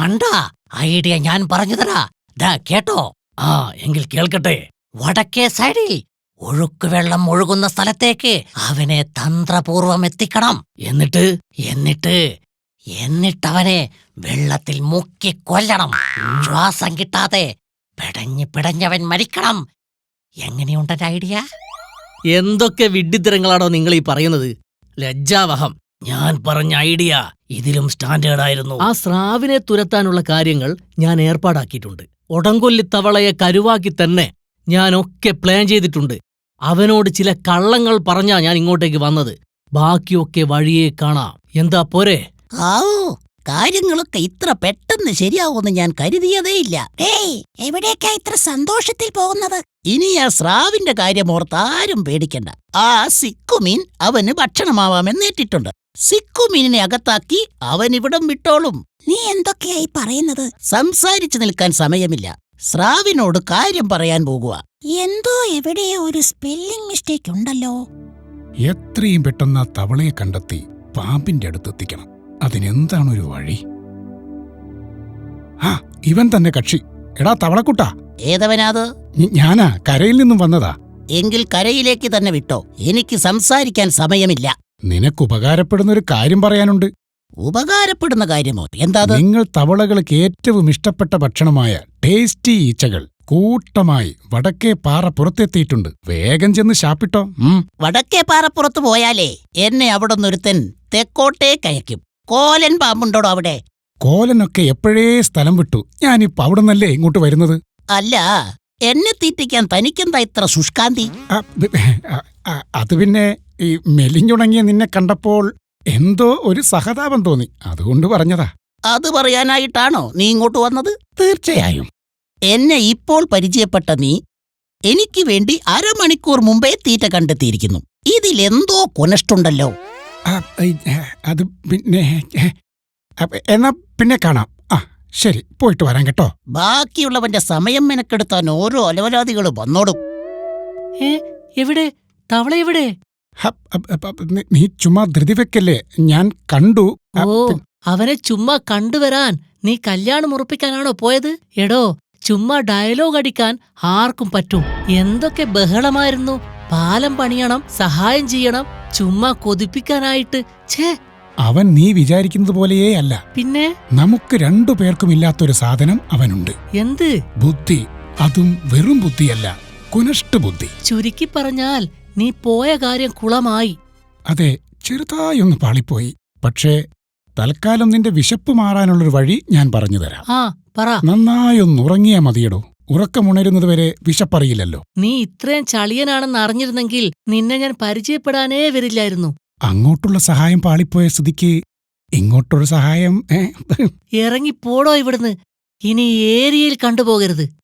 മണ്ട, ഐഡിയ ഞാൻ പറഞ്ഞു തരാ. ദാ കേട്ടോ. ആ, എങ്കിൽ കേൾക്കട്ടെ. വടക്കേ സൈഡിൽ ഒഴുക്കുവെള്ളം ഒഴുകുന്ന സ്ഥലത്തേക്ക് അവനെ തന്ത്രപൂർവം എത്തിക്കണം. എന്നിട്ട് എന്നിട്ടവനെ വെള്ളത്തിൽ മുക്കി കൊല്ലണം. ശ്വാസം കിട്ടാതെ പിടഞ്ഞവൻ മരിക്കണം. എങ്ങനെയുണ്ട് ഐഡിയ? എന്തൊക്കെ വിഡ്ഢിത്തരങ്ങളാണോ നിങ്ങൾ ഈ പറയുന്നത്? ലജ്ജാവഹം. ഞാൻ പറഞ്ഞ ഐഡിയ ഇതിലും സ്റ്റാൻഡേർഡായിരുന്നു. ആ സ്രാവിനെ തുരത്താനുള്ള കാര്യങ്ങൾ ഞാൻ ഏർപ്പാടാക്കിയിട്ടുണ്ട്. ഒടങ്കൊല്ലിത്തവളയെ കരുവാക്കി തന്നെ ഞാനൊക്കെ പ്ലാൻ ചെയ്തിട്ടുണ്ട്. അവനോട് ചില കള്ളങ്ങൾ പറഞ്ഞാ ഞാൻ ഇങ്ങോട്ടേക്ക് വന്നത്. ബാക്കിയൊക്കെ വഴിയേ കാണാം. എന്താ പോരെ? കാര്യങ്ങളൊക്കെ ഇത്ര പെട്ടെന്ന് ശരിയാവുമെന്ന് ഞാൻ കരുതിയതേയില്ല. എവിടേക്കാ ഇത്ര സന്തോഷത്തിൽ പോകുന്നത്? ഇനി ആ സ്രാവിന്റെ കാര്യം ഓർത്താരും പേടിക്കണ്ട. ആ സിക്കുമീൻ അവന് ഭക്ഷണമാവാമെന്നേറ്റിട്ടുണ്ട്. സിക്കുമീനിനെ അകത്താക്കി അവനിവിടം വിട്ടോളും. നീ എന്തൊക്കെയായി പറയുന്നത്? സംസാരിച്ചു നിൽക്കാൻ സമയമില്ല. സ്രാവിനോട് കാര്യം പറയാൻ പോകുക. എന്തോ എവിടെയോ ഒരു സ്പെല്ലിംഗ് മിസ്റ്റേക്ക് ഉണ്ടല്ലോ. എത്രയും പെട്ടെന്ന് ആ തവളയെ കണ്ടെത്തി പാമ്പിന്റെ അടുത്തെത്തിക്കണം. അതിനെന്താണൊരു വഴി? ആ, ഇവൻ തന്നെ കക്ഷി. എടാ തവളക്കുട്ടാ. ഏതവനാത്? ഞാനാ, കരയിൽ നിന്നും വന്നതാ. എങ്കിൽ കരയിലേക്ക് തന്നെ വിട്ടോ. എനിക്ക് സംസാരിക്കാൻ സമയമില്ല. നിനക്ക് ഉപകാരപ്പെടുന്നൊരു കാര്യം പറയാനുണ്ട്. ഉപകാരപ്പെടുന്ന കാര്യമോ? എന്താ? നിങ്ങൾ തവളകൾക്ക് ഏറ്റവും ഇഷ്ടപ്പെട്ട ഭക്ഷണമായ ടേസ്റ്റി ഈച്ചകൾ കൂട്ടമായി വടക്കേ പാറ പുറത്തെത്തിയിട്ടുണ്ട്. വേഗം ചെന്ന് ശാപ്പിട്ടോ. വടക്കേ പാറപ്പുറത്ത് പോയാലേ എന്നെ അവിടെ നിന്നൊരുത്തൻ തെക്കോട്ടേക്കയക്കും. കോലൻ പാമ്പുണ്ടോടോ അവിടെ? കോലനൊക്കെ എപ്പോഴേ സ്ഥലം വിട്ടു. ഞാനിപ്പോ അവിടെ നിന്നല്ലേ ഇങ്ങോട്ട് വരുന്നത്. അല്ല, എന്നെ തീറ്റിക്കാൻ തനിക്കെന്താ ഇത്ര ശുഷ്കാന്തി? അത് പിന്നെ ഈ മെലിഞ്ഞുണങ്ങിയ നിന്നെ കണ്ടപ്പോൾ എന്തോ ഒരു സഹതാപം തോന്നി, അതുകൊണ്ട് പറഞ്ഞതാ. അത് പറയാനായിട്ടാണോ നീ ഇങ്ങോട്ട് വന്നത്? തീർച്ചയായും. എന്നെ ഇപ്പോൾ പരിചയപ്പെട്ട നീ എനിക്ക് വേണ്ടി അരമണിക്കൂർ മുമ്പേ തീറ്റ കണ്ടെത്തിയിരിക്കുന്നു. ഇതിലെന്തോ കൊനഷ്ടുണ്ടല്ലോ. അത് പിന്നെ എന്നാ പിന്നെ കാണാം. ആ ശരി, പോയിട്ട് വരാൻ കേട്ടോ. ബാക്കിയുള്ളവന്റെ സമയം മെനക്കെടുത്താൻ ഓരോ അലവലാദികളും വന്നോടും. എവിടെ തവള? എവിടെ? നീ ചുമ്മാ ധൃതി വെക്കല്ലേ, ഞാൻ കണ്ടു. ഓ, അവനെ ചുമ്മാ കണ്ടുവരാൻ നീ കല്യാണം ഉറപ്പിക്കാനാണോ പോയത്? എടോ, ചുമ്മാ ഡയലോഗ് അടിക്കാൻ ആർക്കും പറ്റും. എന്തൊക്കെ ബഹളമായിരുന്നു. പാലം പണിയണം, സഹായം ചെയ്യണം, ചുമ്മാ കൊതിപ്പിക്കാനായിട്ട്. ഛേ, അവൻ നീ വിചാരിക്കുന്നത് പോലെയേ അല്ല. പിന്നെ നമുക്ക് രണ്ടുപേർക്കും ഇല്ലാത്തൊരു സാധനം അവനുണ്ട്. എന്ത്? ബുദ്ധി. അതും വെറും ബുദ്ധിയല്ല, കുനഷ്ട ബുദ്ധി. ചുരുക്കി പറഞ്ഞാൽ നീ പോയ കാര്യം കുളമായി. അതെ, ചെറുതായൊന്ന് പാളിപ്പോയി. പക്ഷേ തൽക്കാലം നിന്റെ വിശപ്പ് മാറാനുള്ളൊരു വഴി ഞാൻ പറഞ്ഞുതരാം. ആ, പറ. നന്നായൊന്നുറങ്ങിയാ മതിയടോ. ഉറക്കമുണരുന്നതുവരെ വിശപ്പറിയില്ലല്ലോ. നീ ഇത്രയും ചളിയനാണെന്ന് അറിഞ്ഞിരുന്നെങ്കിൽ നിന്നെ ഞാൻ പരിചയപ്പെടാനേ വരില്ലായിരുന്നു. അങ്ങോട്ടുള്ള സഹായം പാളിപ്പോയ സ്ഥിതിക്ക് ഇങ്ങോട്ടൊരു സഹായം. ഇറങ്ങിപ്പോടോ ഇവിടുന്ന്. ഇനി ഏരിയയിൽ കണ്ടുപോകരുത്.